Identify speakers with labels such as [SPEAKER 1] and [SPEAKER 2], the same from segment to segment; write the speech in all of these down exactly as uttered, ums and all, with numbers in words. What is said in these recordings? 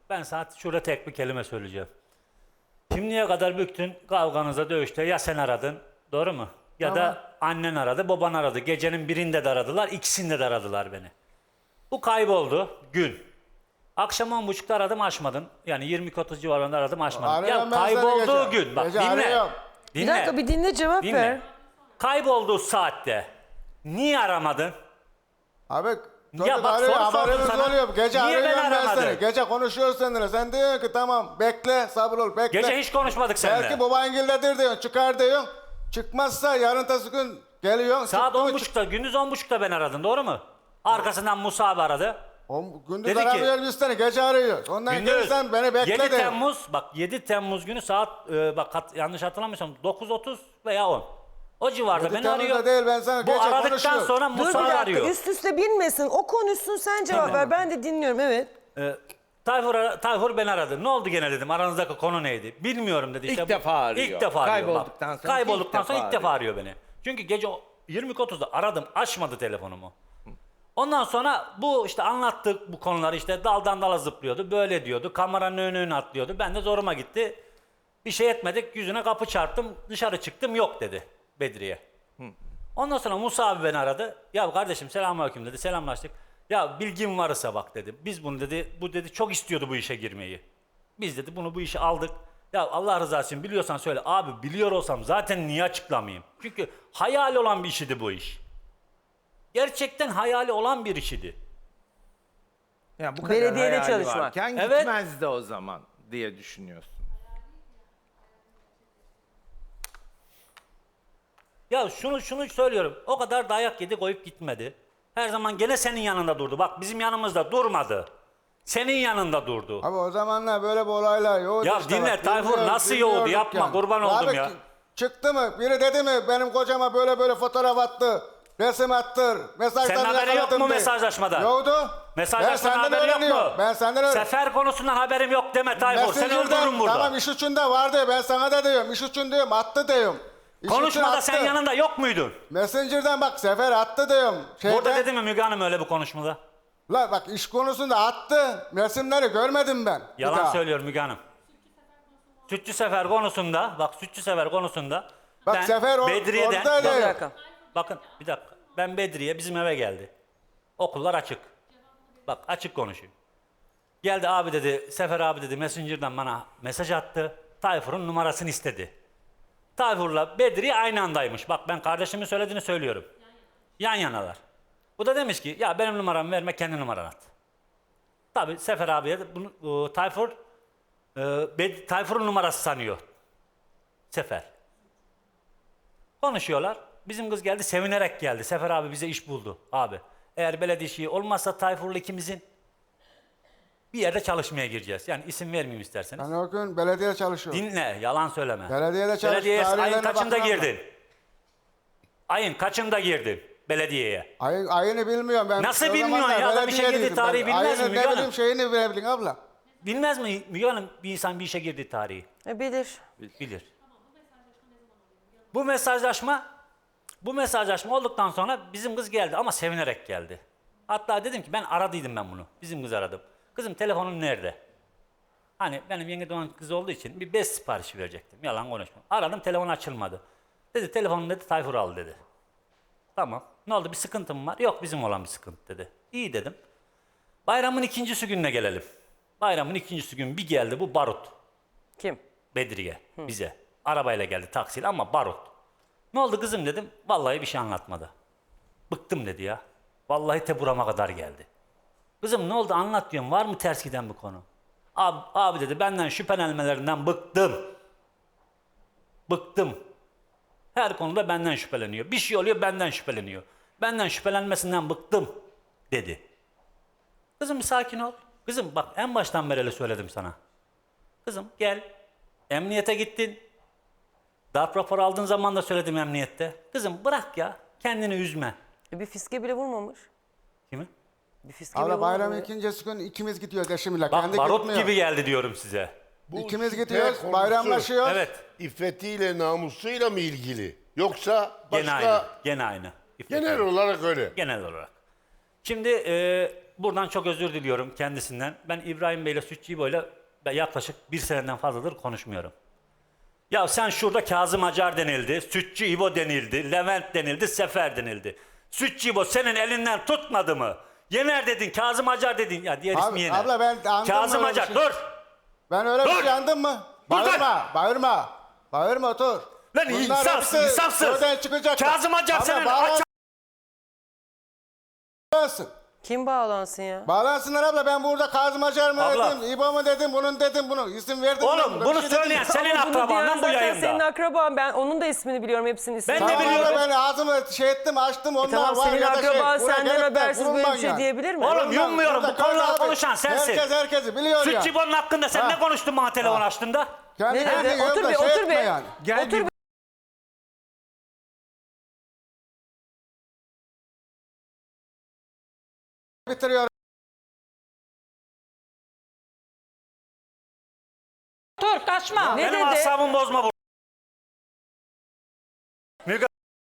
[SPEAKER 1] ben sana şurada tek bir kelime söyleyeceğim. Şimdiye kadar bütün kavganıza, dövüşte ya sen aradın, doğru mu? Ya
[SPEAKER 2] Tamam.
[SPEAKER 1] da annen aradı, baban aradı. Gecenin birinde de aradılar, ikisinde de aradılar beni. Bu kayboldu gün. Akşam on buçukta aradım, açmadın. Yani yirmi otuz civarında aradım, açmadın.
[SPEAKER 2] Arıyorum
[SPEAKER 1] Ya
[SPEAKER 2] ben seni
[SPEAKER 1] kaybolduğu
[SPEAKER 2] gece.
[SPEAKER 1] gün, bak
[SPEAKER 2] Gece
[SPEAKER 1] dinle.
[SPEAKER 2] arıyorum.
[SPEAKER 1] Dinle.
[SPEAKER 3] Bir dakika bir dinle cevap
[SPEAKER 1] dinle.
[SPEAKER 3] ver.
[SPEAKER 1] Kaybolduğu saatte niye aramadın?
[SPEAKER 2] Abi
[SPEAKER 1] Ya
[SPEAKER 2] çocuk
[SPEAKER 1] bak,
[SPEAKER 2] arıyor,
[SPEAKER 1] soru sordum
[SPEAKER 2] haberimiz
[SPEAKER 1] sana.
[SPEAKER 2] oluyor. Gece
[SPEAKER 1] Niye
[SPEAKER 2] arıyorum
[SPEAKER 1] beni
[SPEAKER 2] ben
[SPEAKER 1] aramadın?
[SPEAKER 2] seni. Gece konuşuyoruz seninle. Sen diyorsun ki tamam bekle, sabır ol, bekle.
[SPEAKER 1] Gece hiç konuşmadık seninle.
[SPEAKER 2] Belki babangildedir diyorsun, çıkar diyorsun. Çıkmazsa yarın tası gün geliyorsun.
[SPEAKER 1] Saat
[SPEAKER 2] çıktı mı
[SPEAKER 1] on
[SPEAKER 2] çık-
[SPEAKER 1] buçukta, gündüz on buçukta ben aradım, doğru mu? Arkasından Musa abi aradı.
[SPEAKER 2] O, gündüz
[SPEAKER 1] Dedi ki-
[SPEAKER 2] aramıyoruz biz seni, gece arıyoruz. Ondan
[SPEAKER 1] Gündüz.
[SPEAKER 2] gelirsen beni bekle
[SPEAKER 1] yedi
[SPEAKER 2] de.
[SPEAKER 1] Temmuz, bak yedi Temmuz günü saat, e, bak hat- yanlış hatırlamıyorsam dokuz otuz veya on. O civarda
[SPEAKER 2] yedi
[SPEAKER 1] beni
[SPEAKER 2] Temmuz'da
[SPEAKER 1] arıyor.
[SPEAKER 2] değil, ben sana
[SPEAKER 1] Bu
[SPEAKER 2] gece
[SPEAKER 1] aradıktan
[SPEAKER 2] konuşuyorum.
[SPEAKER 1] sonra
[SPEAKER 3] Dur bir
[SPEAKER 1] Musa
[SPEAKER 3] dakika
[SPEAKER 1] arıyor.
[SPEAKER 3] üst üste binmesin. O konuşsun sen cevap
[SPEAKER 1] Tamam.
[SPEAKER 3] ver. Ben de dinliyorum evet.
[SPEAKER 1] E, Tayfur, ara- Tayfur beni aradı. Ne oldu gene dedim. Aranızdaki konu neydi? Bilmiyorum dedi.
[SPEAKER 4] İlk
[SPEAKER 1] İşte bu-
[SPEAKER 4] defa arıyor.
[SPEAKER 1] İlk defa arıyor. bak.
[SPEAKER 4] Kaybolduktan sonra
[SPEAKER 1] Kaybolduktan
[SPEAKER 4] ilk
[SPEAKER 1] sonra
[SPEAKER 4] defa
[SPEAKER 1] ilk defa arıyor beni. Çünkü gece yirmi otuzda aradım. Açmadı telefonumu. Ondan sonra bu işte anlattık bu konuları, işte daldan dala zıplıyordu. Böyle diyordu. Kameranın önüne atlıyordu. Ben de zoruma gitti. Bir şey etmedik. Yüzüne kapı çarptım. Dışarı çıktım. Yok dedi Bedriye. Ondan sonra Musa abi beni aradı. Ya kardeşim selamünaleyküm dedi. Selamlaştık. Ya bilgin varsa bak dedi. Biz bunu dedi, bu dedi çok istiyordu bu işe girmeyi. Biz dedi bunu bu işe aldık. Ya Allah rızası için biliyorsan söyle. Abi biliyor olsam zaten niye açıklamayayım? Çünkü hayal olan bir işidi bu iş. Gerçekten hayali olan bir işidi.
[SPEAKER 4] Ya bu kadar
[SPEAKER 3] Belediyede
[SPEAKER 4] hayali
[SPEAKER 3] çalışmak.
[SPEAKER 4] varken
[SPEAKER 1] Evet.
[SPEAKER 4] gitmezdi o zaman diye düşünüyorsun.
[SPEAKER 1] Ya şunu şunu söylüyorum. O kadar dayak yedi, koyup gitmedi. Her zaman gene senin yanında durdu. Bak bizim yanımızda durmadı. Senin yanında durdu.
[SPEAKER 2] Abi o zamanlar böyle bir olaylar yoğdu
[SPEAKER 1] Ya
[SPEAKER 2] işte.
[SPEAKER 1] dinle,
[SPEAKER 2] bak,
[SPEAKER 1] Tayfur,
[SPEAKER 2] bilmiyoruz,
[SPEAKER 1] nasıl yoğdu?
[SPEAKER 2] bilmiyorduk
[SPEAKER 1] Yapma, kurban oldum
[SPEAKER 2] Abi,
[SPEAKER 1] ya.
[SPEAKER 2] ki- Çıktı mı? Biri dedi mi benim kocama böyle böyle fotoğraf attı. Resim attır. Mesajlarını
[SPEAKER 1] Senin haberin yok
[SPEAKER 2] yakaladım
[SPEAKER 1] mu
[SPEAKER 2] diye.
[SPEAKER 1] mesajlaşmadan?
[SPEAKER 2] Yoktu. Ben
[SPEAKER 1] Mesajlaşmanın
[SPEAKER 2] senden
[SPEAKER 1] haberi yok
[SPEAKER 2] öğreniyorum.
[SPEAKER 1] mu?
[SPEAKER 2] Ben senden öğreniyorum.
[SPEAKER 1] Sefer konusundan haberim yok deme Tayfur. Seni
[SPEAKER 2] Messenger'dan,
[SPEAKER 1] öldürürüm burada.
[SPEAKER 2] Tamam iş içinde vardı. Ben sana da diyorum. İş için diyorum. Attı diyorum. İş için
[SPEAKER 1] Konuşmada
[SPEAKER 2] attı.
[SPEAKER 1] sen yanında yok muydun?
[SPEAKER 2] Messenger'dan bak Sefer attı diyorum. Şeyden,
[SPEAKER 1] Burada dedi mi Müge Hanım öyle bu konuşmada?
[SPEAKER 2] La bak iş konusunda attı. Resimleri görmedim ben. Bir
[SPEAKER 1] Yalan
[SPEAKER 2] daha.
[SPEAKER 1] söylüyor Müge Hanım. Sütçü Sefer konusunda, bak Sütçü Sefer konusunda
[SPEAKER 2] Bak
[SPEAKER 1] ben
[SPEAKER 2] Sefer or-
[SPEAKER 1] Bedriye'den,
[SPEAKER 2] oradaydı.
[SPEAKER 1] bak-
[SPEAKER 3] Bir dakika.
[SPEAKER 1] bakın bir dakika, ben Bedriye bizim eve geldi. Okullar açık. Bak açık konuşayım. Geldi abi dedi, Sefer abi dedi Messenger'dan bana mesaj attı. Tayfur'un numarasını istedi. Tayfur'la Bedriye aynı andaymış. Bak ben kardeşimin söylediğini söylüyorum. Yan yanalar. Bu da demiş ki ya benim numaramı verme, kendi numaranı at. Tabii Sefer abiye de bunu e, Tayfur e, Bed- Tayfur'un numarası sanıyor. Sefer. Konuşuyorlar. Bizim kız geldi, sevinerek geldi. Sefer abi bize iş buldu abi. Eğer belediye işi olmazsa Tayfur'la ikimizin bir yerde çalışmaya gireceğiz. Yani isim vermeyeyim isterseniz.
[SPEAKER 2] Ben o gün belediyede çalışıyorum.
[SPEAKER 1] Dinle, yalan söyleme.
[SPEAKER 2] Belediyede çalış-
[SPEAKER 1] Belediyeye ayın
[SPEAKER 2] tarihlerine
[SPEAKER 1] kaçında
[SPEAKER 2] bakmam
[SPEAKER 1] girdin? Ayın kaçında girdin belediyeye?
[SPEAKER 2] Ay, ayını bilmiyorum ben.
[SPEAKER 1] Nasıl
[SPEAKER 2] O
[SPEAKER 1] bilmiyorsun
[SPEAKER 2] zamanlar
[SPEAKER 1] ya? Adam işe
[SPEAKER 2] belediyedeydim
[SPEAKER 1] girdiği tarihi
[SPEAKER 2] ben.
[SPEAKER 1] bilmez mi
[SPEAKER 2] Ayını
[SPEAKER 1] Müge
[SPEAKER 2] ne
[SPEAKER 1] Hanım?
[SPEAKER 2] bileyim şeyini bilebilin abla.
[SPEAKER 1] Bilmez mi Müge Hanım bir insan bir işe girdiği tarihi?
[SPEAKER 3] E, bilir.
[SPEAKER 1] Bilir. Bu mesajlaşma bu mesajlaşma olduktan sonra bizim kız geldi ama sevinerek geldi. Hatta dedim ki ben aradıydım ben bunu. Bizim kız aradım. Kızım telefonun nerede? Hani benim yenge doğan kız olduğu için bir bez siparişi verecektim. Yalan konuşma. Aradım, telefon açılmadı. Dedi telefonun dedi Tayfur al dedi. Tamam. Ne oldu, bir sıkıntı mı var? Yok, bizim olan bir sıkıntı dedi. İyi dedim. Bayramın ikincisi gününe gelelim. Bayramın ikincisi gün bir geldi bu barut.
[SPEAKER 3] Kim?
[SPEAKER 1] Bedriye bize. Arabayla geldi, taksiyle ama barut. Ne oldu kızım dedim. Vallahi bir şey anlatmadı. Bıktım dedi ya. Vallahi te burama kadar geldi. Kızım ne oldu anlat diyorum. Var mı ters giden bir konu? Abi, abi dedi benden şüphelenmelerinden bıktım. Bıktım. Her konuda benden şüpheleniyor. Bir şey oluyor benden şüpheleniyor. Benden şüphelenmesinden bıktım dedi. Kızım bir sakin ol. Kızım bak en baştan beri öyle söyledim sana. Kızım gel. Emniyete gittin. Darp raporu aldığın zaman da söyledim emniyette. Kızım bırak ya. Kendini üzme.
[SPEAKER 3] E, bir fiske bile vurmamış.
[SPEAKER 1] Kimi?
[SPEAKER 3] Bir fiske bile
[SPEAKER 2] Abla
[SPEAKER 3] vurmamış.
[SPEAKER 2] bayramın ikincisi gün ikimiz gidiyoruz eşimle.
[SPEAKER 1] Bak
[SPEAKER 2] Kendi
[SPEAKER 1] barut
[SPEAKER 2] gitmiyor.
[SPEAKER 1] gibi geldi diyorum size.
[SPEAKER 5] Bu
[SPEAKER 2] İkimiz
[SPEAKER 5] şüphe
[SPEAKER 2] gidiyoruz,
[SPEAKER 5] konusu
[SPEAKER 2] bayramlaşıyoruz.
[SPEAKER 1] Evet.
[SPEAKER 5] İffetiyle, namusuyla mı ilgili? Yoksa başka
[SPEAKER 1] Gene aynı. Gene aynı. İffet
[SPEAKER 5] genel
[SPEAKER 1] Hanım.
[SPEAKER 5] olarak öyle.
[SPEAKER 1] Genel olarak. Şimdi e, buradan çok özür diliyorum kendisinden. Ben İbrahim Bey'le Sütçü İbo'yla yaklaşık bir seneden fazladır konuşmuyorum. Ya sen şurada Kazım Acar denildi, Sütçü İbo denildi, Levent denildi, Sefer denildi. Sütçü İbo senin elinden tutmadı mı? Yener dedin, Kazım Acar dedin. Ya diğer
[SPEAKER 2] Abi,
[SPEAKER 1] ismi Yener.
[SPEAKER 2] abla ben andım
[SPEAKER 1] Kazım
[SPEAKER 2] mı öyle
[SPEAKER 1] Acar
[SPEAKER 2] bir şey?
[SPEAKER 1] dur.
[SPEAKER 2] Ben öyle bir
[SPEAKER 1] Dur!
[SPEAKER 2] şey andım mı?
[SPEAKER 1] Dur,
[SPEAKER 2] Bağırma, bağırma. Bağırma otur.
[SPEAKER 1] Lan
[SPEAKER 2] Bunlar
[SPEAKER 1] insafsız,
[SPEAKER 2] hepsi
[SPEAKER 1] insafsız.
[SPEAKER 2] oradan çıkacak.
[SPEAKER 1] Kazım Acar
[SPEAKER 2] Abla,
[SPEAKER 1] senin
[SPEAKER 2] bağlansın.
[SPEAKER 1] aç-
[SPEAKER 3] Kim bağlansın ya?
[SPEAKER 2] Bağlansınlar abla, ben burada Kazım Acar mı
[SPEAKER 1] Abla.
[SPEAKER 2] dedim, İbo mu dedim, bunun dedim, bunu isim verdim. ben
[SPEAKER 1] Oğlum
[SPEAKER 2] buna,
[SPEAKER 1] bunu
[SPEAKER 2] bir şey dedim.
[SPEAKER 1] söyleyen senin
[SPEAKER 3] Ama bunu diyen
[SPEAKER 1] akrabandan bu
[SPEAKER 3] zaten
[SPEAKER 1] yayında.
[SPEAKER 3] senin akraban. Ben onun da ismini biliyorum. Hepsinin ismini.
[SPEAKER 1] Ben de
[SPEAKER 2] Tamam
[SPEAKER 1] biliyorum.
[SPEAKER 2] abla, ben ağzımı şey ettim, açtım, onlar
[SPEAKER 3] Tamam
[SPEAKER 2] var
[SPEAKER 3] senin
[SPEAKER 2] ya da şey.
[SPEAKER 3] akraban
[SPEAKER 2] buraya
[SPEAKER 3] senden
[SPEAKER 2] gelip de
[SPEAKER 3] habersiz böyle
[SPEAKER 2] vurulman
[SPEAKER 3] bir şey
[SPEAKER 2] yani.
[SPEAKER 3] diyebilir mi?
[SPEAKER 1] Oğlum
[SPEAKER 2] Bunlar-
[SPEAKER 1] yummuyorum, bu
[SPEAKER 2] burada
[SPEAKER 1] konuları
[SPEAKER 2] abi,
[SPEAKER 1] konuşan sensin.
[SPEAKER 2] Herkes herkesi biliyor ya.
[SPEAKER 1] Sütçü İbo'nun hakkında sen
[SPEAKER 2] Ha.
[SPEAKER 1] ne konuştun bana telefon açtığında?
[SPEAKER 2] Kendi
[SPEAKER 3] Ne
[SPEAKER 2] kendine
[SPEAKER 3] dedi? Otur
[SPEAKER 2] yorumla,
[SPEAKER 3] bir,
[SPEAKER 2] şey
[SPEAKER 3] otur
[SPEAKER 2] etme
[SPEAKER 3] bir.
[SPEAKER 2] yani.
[SPEAKER 4] Gel
[SPEAKER 3] Otur
[SPEAKER 4] bir-
[SPEAKER 3] bir.
[SPEAKER 2] Bitiriyorum.
[SPEAKER 6] Dur kaçma.
[SPEAKER 3] Ne
[SPEAKER 1] Benim
[SPEAKER 3] dedi?
[SPEAKER 1] asabımı bozma bu. Müge...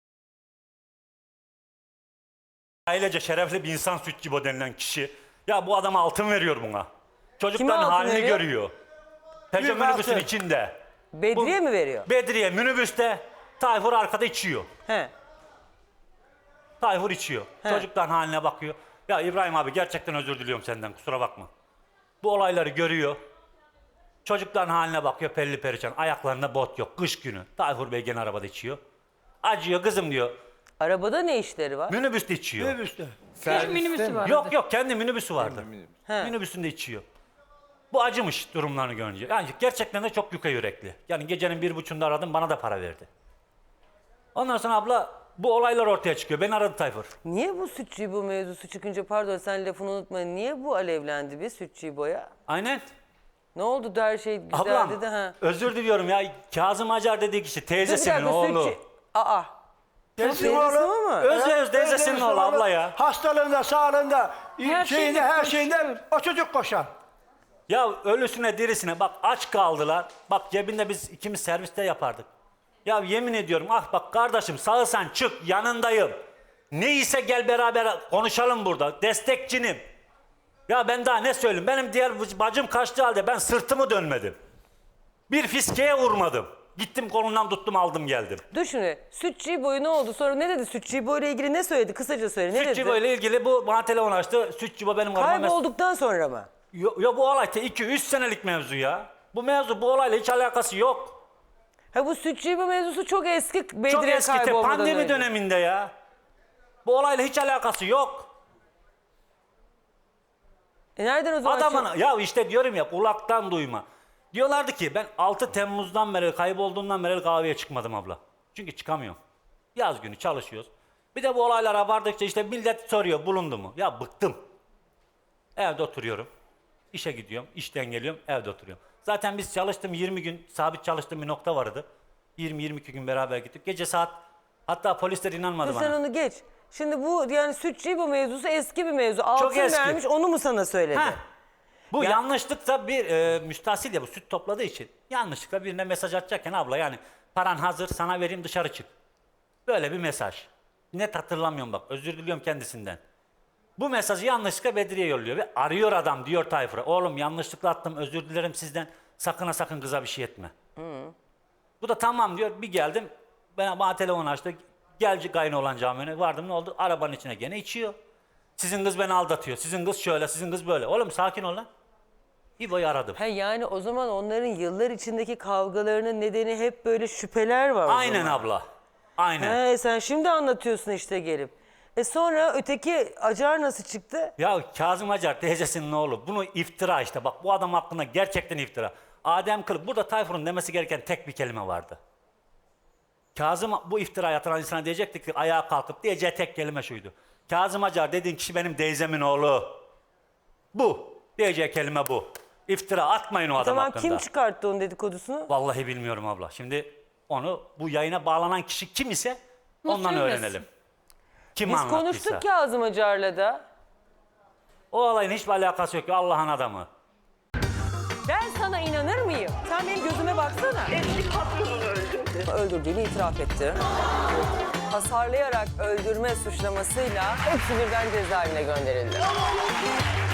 [SPEAKER 1] Ailece şerefli bir insan Sütçü İbo denilen kişi. Ya bu adama altın veriyor buna. Çocukların
[SPEAKER 3] altın
[SPEAKER 1] halini
[SPEAKER 3] veriyor?
[SPEAKER 1] görüyor. Peugeot
[SPEAKER 5] Büyük
[SPEAKER 1] minibüsün
[SPEAKER 5] altın.
[SPEAKER 1] içinde.
[SPEAKER 3] Bedriye mi veriyor?
[SPEAKER 1] Bedriye minibüste. Tayfur arkada içiyor.
[SPEAKER 3] He.
[SPEAKER 1] Tayfur içiyor.
[SPEAKER 3] He.
[SPEAKER 1] Çocukların haline bakıyor. Ya İbrahim abi gerçekten özür diliyorum senden, kusura bakma. Bu olayları görüyor. Çocukların haline bakıyor, pelli perişan. Ayaklarında bot yok, kış günü. Tayfur Bey gene arabada içiyor. Acıyor kızım diyor.
[SPEAKER 3] Arabada ne işleri var?
[SPEAKER 1] Minibüste içiyor.
[SPEAKER 6] Bir minibüsü var.
[SPEAKER 1] Yok yok, kendi minibüsü vardı.
[SPEAKER 3] He.
[SPEAKER 1] Minibüsünde içiyor. Bu acımış durumlarını görünce. Yani gerçekten de çok yuka yürekli. Yani gecenin bir buçuğunda aradım, bana da para verdi. Ondan sonra abla bu olaylar ortaya çıkıyor. Beni aradı Tayfur.
[SPEAKER 3] Niye bu Sütçü bu mevzusu çıkınca, pardon sen lafını unutma, niye bu alevlendi bir Sütçü boya?
[SPEAKER 1] Aynen.
[SPEAKER 3] Ne oldu da her şey güzeldi
[SPEAKER 1] Ablam
[SPEAKER 3] de ha.
[SPEAKER 1] özür diliyorum ya. Kazım Acar dediği kişi
[SPEAKER 3] Dur bir
[SPEAKER 1] teyzesinin
[SPEAKER 3] dakika,
[SPEAKER 1] oğlu.
[SPEAKER 3] Sütçü... Aa.
[SPEAKER 7] Teyzesinin
[SPEAKER 3] Teyzesinin
[SPEAKER 7] oğlu.
[SPEAKER 3] oğlu mu?
[SPEAKER 1] Öz öz teyzesinin oğlu abla ya.
[SPEAKER 7] Hastalığında, sağlığında,
[SPEAKER 6] Her
[SPEAKER 7] şeyinde,
[SPEAKER 6] şeyinde
[SPEAKER 7] her
[SPEAKER 6] koştu.
[SPEAKER 7] şeyinde o çocuk koşar.
[SPEAKER 1] Ya ölüsüne dirisine bak aç kaldılar. Bak cebinde biz ikimiz serviste yapardık. Ya yemin ediyorum ah bak kardeşim sağırsan çık yanındayım. Neyse gel beraber konuşalım burada. Destekçinim. Ya ben daha ne söyleyeyim? Benim diğer bacım kaçtı halde ben sırtımı dönmedim. Bir fiskeye vurmadım. Gittim kolundan tuttum aldım geldim.
[SPEAKER 3] Dur şimdi, Sütçü boyu ne oldu? Sonra ne dedi? Sütçü boyla ilgili ne söyledi? Kısaca söyle. Ne
[SPEAKER 1] Sütçü
[SPEAKER 3] dedi?
[SPEAKER 1] ile ilgili bu bana telefon açtı. Sütçü bu benim karıma mes-
[SPEAKER 3] Kaybolduktan sonra mı?
[SPEAKER 1] Yo, yo bu olay iki üç senelik mevzu ya. Bu mevzu bu olayla hiç alakası yok.
[SPEAKER 3] Ha bu Sütçü bu mevzusu çok eski. Bedriye
[SPEAKER 1] Çok eski te-
[SPEAKER 3] kaybolmadan
[SPEAKER 1] pandemi
[SPEAKER 3] önce.
[SPEAKER 1] döneminde ya. Bu olayla hiç alakası yok.
[SPEAKER 3] E nereden o zaman?
[SPEAKER 1] Adamın
[SPEAKER 3] çık-
[SPEAKER 1] ya işte diyorum ya kulaktan duyma. Diyorlardı ki ben altı Temmuz'dan beri kaybolduğumdan beri kahveye çıkmadım abla. Çünkü çıkamıyorum. Yaz günü çalışıyoruz. Bir de bu olaylara vardıkça işte millet soruyor bulundu mu? Ya bıktım. Evde oturuyorum. İşe gidiyorum. İşten geliyorum. Evde oturuyorum. Zaten biz çalıştım yirmi gün sabit çalıştığım bir nokta vardı. yirmi yirmi iki gün beraber gittik. Gece saat hatta polisler inanmadı
[SPEAKER 3] Dur
[SPEAKER 1] bana.
[SPEAKER 3] sen onu geç. Şimdi bu yani Sütçü bu mevzusu eski bir mevzu. Altın
[SPEAKER 1] eski.
[SPEAKER 3] vermiş, onu mu sana söyledi?
[SPEAKER 1] Heh. Bu
[SPEAKER 3] Ya-
[SPEAKER 1] yanlışlıkla bir e, müstahsil ya bu süt topladığı için yanlışlıkla birine mesaj atacakken abla yani paran hazır sana vereyim dışarı çık. Böyle bir mesaj. Net hatırlamıyorum bak özür diliyorum kendisinden. Bu mesajı yanlışlıkla Bedriye yolluyor ve arıyor adam diyor Tayfur'a. Oğlum yanlışlıkla attım özür dilerim sizden sakın ha sakın kıza bir şey etme. Bu da tamam diyor bir geldim bana, bana telefon açtı. Gel kayın olan camine vardım ne oldu arabanın içine gene içiyor. Sizin kız beni aldatıyor. Sizin kız şöyle, sizin kız böyle. Oğlum sakin ol lan. İbo'yu aradım.
[SPEAKER 3] He yani o zaman onların yıllar içindeki kavgalarının nedeni hep böyle şüpheler var o
[SPEAKER 1] Aynen
[SPEAKER 3] zaman.
[SPEAKER 1] abla. Aynen.
[SPEAKER 3] He sen şimdi anlatıyorsun işte gelip. E sonra öteki Acar nasıl çıktı?
[SPEAKER 1] Ya Kazım Acar teyzesinin oğlu. Bunu iftira işte. Bak bu adam hakkında gerçekten iftira. Adem Kılıç. Burada Tayfur'un demesi gereken tek bir kelime vardı. Kazım bu iftirayı atan insana diyecekti ki ayağa kalkıp diyeceği tek kelime şuydu. Kazım Acar dediğin kişi benim teyzemin oğlu. Bu. Diyeceği kelime bu. İftira atmayın o adam
[SPEAKER 3] Tamam
[SPEAKER 1] hakkında.
[SPEAKER 3] kim çıkarttı onun dedikodusunu?
[SPEAKER 1] Vallahi bilmiyorum abla. Şimdi onu bu yayına bağlanan kişi kim ise ondan
[SPEAKER 6] söylesin.
[SPEAKER 1] öğrenelim. Kim
[SPEAKER 3] Biz
[SPEAKER 1] anlattıysa.
[SPEAKER 3] konuştuk Kazım Acar'la da.
[SPEAKER 1] O olayın hiçbir alakası yok. Allah'ın adamı.
[SPEAKER 3] Ben sana inanır mıyım? Sen benim gözüme baksana.
[SPEAKER 8] Eski patronunu öldürdü.
[SPEAKER 3] Öldürdüğünü itiraf etti. hasarlayarak öldürme suçlamasıyla hepsi birden cezaevine gönderildi.